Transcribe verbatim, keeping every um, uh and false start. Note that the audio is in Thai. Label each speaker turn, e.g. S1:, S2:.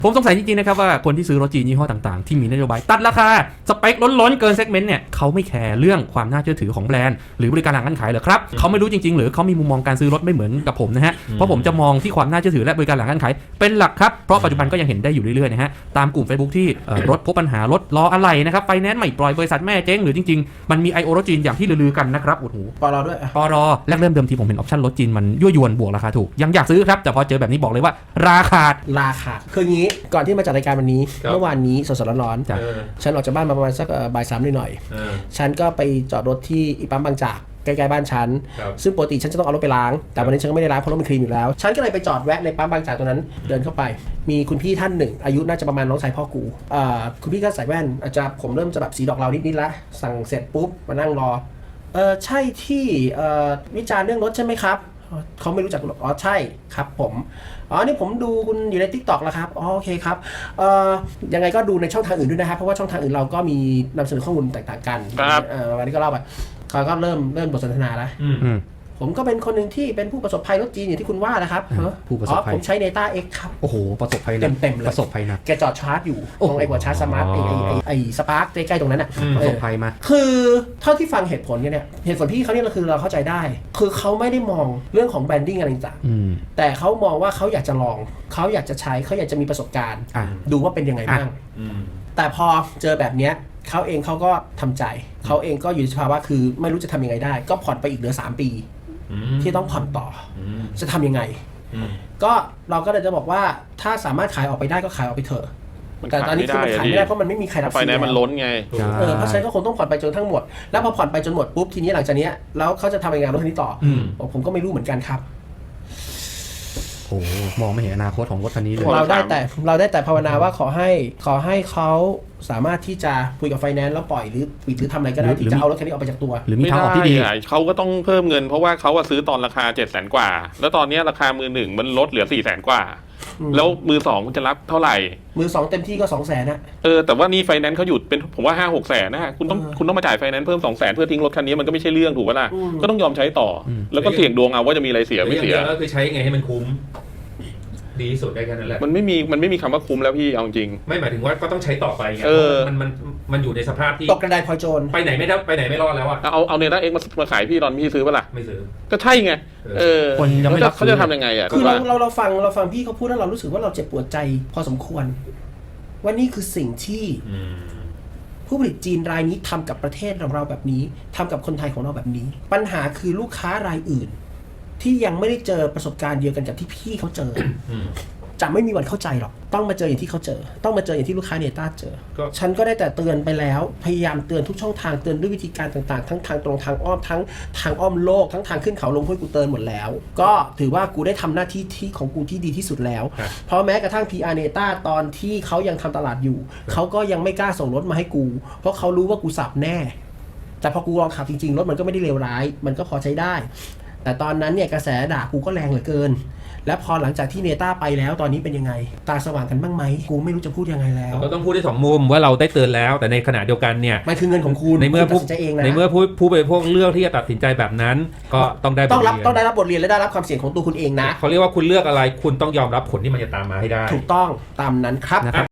S1: ผมสงสัยจริงๆนะครับว่าคนที่ซื้อรถจีนยี่ห้อต่างๆที่มีนโยบายตัดราคาสเปคล้นๆเกินเซกเมนต์เนี่ยเขาไม่แคร์เรื่องความน่าเชื่อถือของแบรนด์หรือบริการหลังการขายเหรอครับเขาไม่รู้จริงๆหรือเขามีมุมมองการซื้อรถไม่เหมือนกับผมนะฮะเพราะผมจะมองที่ความน่าเชื่อถือและบริการหลังการขายเป็นหลักครับเพราะปัจจุบันก็ยังเห็นได้อยู่เรื่อยๆนะฮะตามกลุ่ม Facebook ที่รถพบปัญหารถล้ออะไหล่นะครับไฟแนนซ์ไม่ปล่อยบริษัทแม่เจ๊งหรือจริงๆมันมี ไอ โอ รถจีนอย่างที่ลือๆกันนะครับโอ้โห
S2: ปรด้วย
S1: ปรแรกเริ่มเดิมทีผมเห็นออปชั่นรถจีนมันยั่วยวนบวกราคาถูกยังอยากซื้อครับแต่พอเจอแบบนี้บอกเลยว่าราคา
S2: ราคาคืองี้ก่อนที่มาจัดรายการวันนี้เมื่อวานนี้สดๆร้อนๆฉันออกจากบ้านมาประมาณสักบ่ายสามหน่อยๆฉันก็ไปจอดรถที่อีปั๊มบางจากใกล้ๆบ้านฉันซึ่งปกติฉันจะต้องเอารถไปล้างแต่วันนี้ฉันก็ไม่ได้ล้างเพราะรถมันคลีนอยู่แล้วฉันก็เลยไปจอดแวะในปั๊มบางจากตรงนั้นเดินเข้าไปมีคุณพี่ท่านหนึ่งอายุน่าจะประมาณน้องชายพ่อกูอ่าคุณพี่ก็ใส่แว่นอาจจะผมเริ่มจะแบบสีดอกเรานิดๆละสั่งเสร็จปุ๊บมานั่งรอเออใช่ที่เอ่อวิจารณ์เรื่องรถใช่ไหมครับเขาไม่รู้จักอ๋อใช่ครับผมอ๋อนี่ผมดูคุณอยู่ใน ทิกต็อก แล้วครับอ๋อโอเคครับเอ่อยังไงก็ดูในช่องทางอื่นด้วยนะครับเพราะว่าช่องทางอื่นเราก็มีนำเสนอข้อมูลแตกต่างกันเออวันนี้ก็เล่าไปเขาก็เริ่มเริ่มบทสนทนาแล้วผมก็เป็นคนหนึ่งที่เป็นผู้ประสบภัยรถจีนอย่างที่คุณว่านะครับ
S1: ผู้ประสบภัย
S2: ผมใช้ Neta X ครับ
S1: โอ้โหประสบภัย
S2: เต็มๆเลย
S1: ประสบภัยนะ
S2: แกจอดชาร์จอยู่ตรงไอ้หัวชาร์จสมาร์ทไอ้ไอ้ไอ้สปาร์คใกล้ๆตรงนั้นอ่ะ
S1: ประสบภัยมา
S2: คือเท่าที่ฟังเหตุผลเนี่ยเหตุผลพี่เขาเนี่ยคือเราเข้าใจได้คือเขาไม่ได้มองเรื่องของแบรนดิ้งอะไรต่างๆแต่เขามองว่าเขาอยากจะลองเขาอยากจะใช้เขาอยากจะมีประสบการณ์ดูว่าเป็นยังไงบ้างแต่พอเจอแบบเนี้ยเขาเองเขาก็ทำใจเขาเองก็อยู่ในสภาวะคือไม่รู้จะทำยังไงได้ก็ผ่อนไปอีกเหลือสามปีที่ต้องผ่อนต่อจะทำยังไงก็เราก็เลยจะบอกว่าถ้าสามารถขายออกไปได้ก็ขายออกไปเถอะแต่ตอนนี้คือมันขายไม่ได้เพราะมันไม่มีใครรับซื้อ
S3: ไฟแนนซ์มันล้นไง
S2: เออเพราะฉะนั้นก็คงต้องผ่อนไปจนทั้งหมดแล้วพอผ่อนไปจนหมดปุ๊บทีนี้หลังจากนี้แล้วเขาจะทำยังไงรถคันนี้ต่อผมก็ไม่รู้เหมือนกันครับ
S1: โอ้มองไม่เห็นอนาคตของรถคันนี้เลย
S2: เราได้แต่เราได้แต่ภาวนาว่าขอให้ขอให้เขาสามารถที่จะคุยกับไฟแนนซ์แล้วปล่อยหรือปิดหรือทำอะไรก็ได้ที่จะเอารถคันนี้ออกไปจากตัว
S1: หรือมีทางออกที่ดี
S3: เขาก็ต้องเพิ่มเงินเพราะว่าเขาซื้อตอนราคาเจ็ดแสนกว่าแล้วตอนนี้ราคามือหนึ่งมันลดเหลือสี่แสนกว่าแล้วมือสองมันจะรับเท่าไหร่
S2: มือสองเต็มที่ก็สองแสนนะ
S3: เออแต่ว่านี่ไฟแนนซ์เขาหยุดเป็นผมว่าห้าหกแสนนะคุณต้องคุณต้องมาจ่ายไฟแนนซ์เพิ่มสองแสนเพื่อทิ้งรถคันนี้มันก็ไม่ใช่เรื่องถูกป่ะล่ะก็ต้องยอมใช้ต่อแล้วก็เสี่ยงดวงเอาว่าจะมีอะไรเสียไม่เสีย
S4: ก็คือใช้ไงให้มันคุ้มดีที่สุดได้แค่นั้นแหละ
S3: มันไม่มีมันไม่มีคำว่าคุ้มแล้วพี่เอาจริง
S4: ไม่หมายถึงว่าก็ต้องใช้ต่อไปไงมันมันมันอยู่ในสภาพที่
S2: ตกกระไดพลอยโจร
S4: ไปไหนไม่ได้ไปไหนไม่รอดแล้วอ่ะ
S3: เอาเอาเนต้าเอ็กซ์มาขายพี่ตอนพี่ซื้อป่ะล่ะ
S4: ไม่ซื้อ
S3: ก็ใช่ไงเออ
S1: คนยังไม่รับ
S3: เขาจะทำยังไงอ่ะ
S2: คือเราเราเราฟังเราฟังพี่เขาพูดแล้วเรารู้สึกว่าเราเจ็บปวดใจพอสมควรว่านี่คือสิ่งที่ผู้ผลิตจีนรายนี้ทำกับประเทศของเราแบบนี้ทำกับคนไทยของเราแบบนี้ปัญหาคือลูกค้ารายอื่นที่ยังไม่ได้เจอประสบการณ์เดียวกันกับที่พี่เขาเจอจะไม่มีวันเข้าใจหรอกต้องมาเจออย่างที่เขาเจอต้องมาเจออย่างที่ลูกค้าเนต้าเจอฉันก็ได้แต่เตือนไปแล้วพยายามเตือนทุกช่องทางเตือนด้วยวิธีการต่างๆทั้งทางตรงทางอ้อมทั้งทางอ้อมโลกทั้งทางขึ้นเขาลงห้วยกูเตือนหมดแล้วก็ถือว่ากูได้ทำหน้าที่ที่ของกูที่ดีที่สุดแล้วเพราะแม้กระทั่ง พี อาร์ เนต้าตอนที่เขายังทำตลาดอยู่เขาก็ยังไม่กล้าส่งรถมาให้กูเพราะเขารู้ว่ากูสับแน่แต่พอกูลองขับจริงๆรถมันก็ไม่ได้เลวร้ายมันก็พอใช้ได้แต่ตอนนั้นเนี่ยกระแสด่ากูก็แรงเหลือเกินและพอหลังจากที่เนต้าไปแล้วตอนนี้เป็นยังไงตาสว่างกันบ้างไหมกูไม่รู้จะพูดยังไงแล้ว
S4: เราต้องพูดได้สองมุมว่าเราได้เตือนแล้วแต่ในขณะเดียวกันเนี่ย
S2: มันคือเงินของคุณ
S4: ในเมื่อผู้ในเมื่อผู้ผู้บริโภคเลือกที่จะตัดสินใจแบบนั้นก็ต้องได้
S2: ต้องรับต้องได้รับบทเรียนและได้รับความเสี่ยงของตัวคุณเองนะ
S4: เขาเรียกว่าคุณเลือกอะไรคุณต้องยอมรับผลที่มันจะตามมาให้ได้
S2: ถูกต้องตามนั้นครับ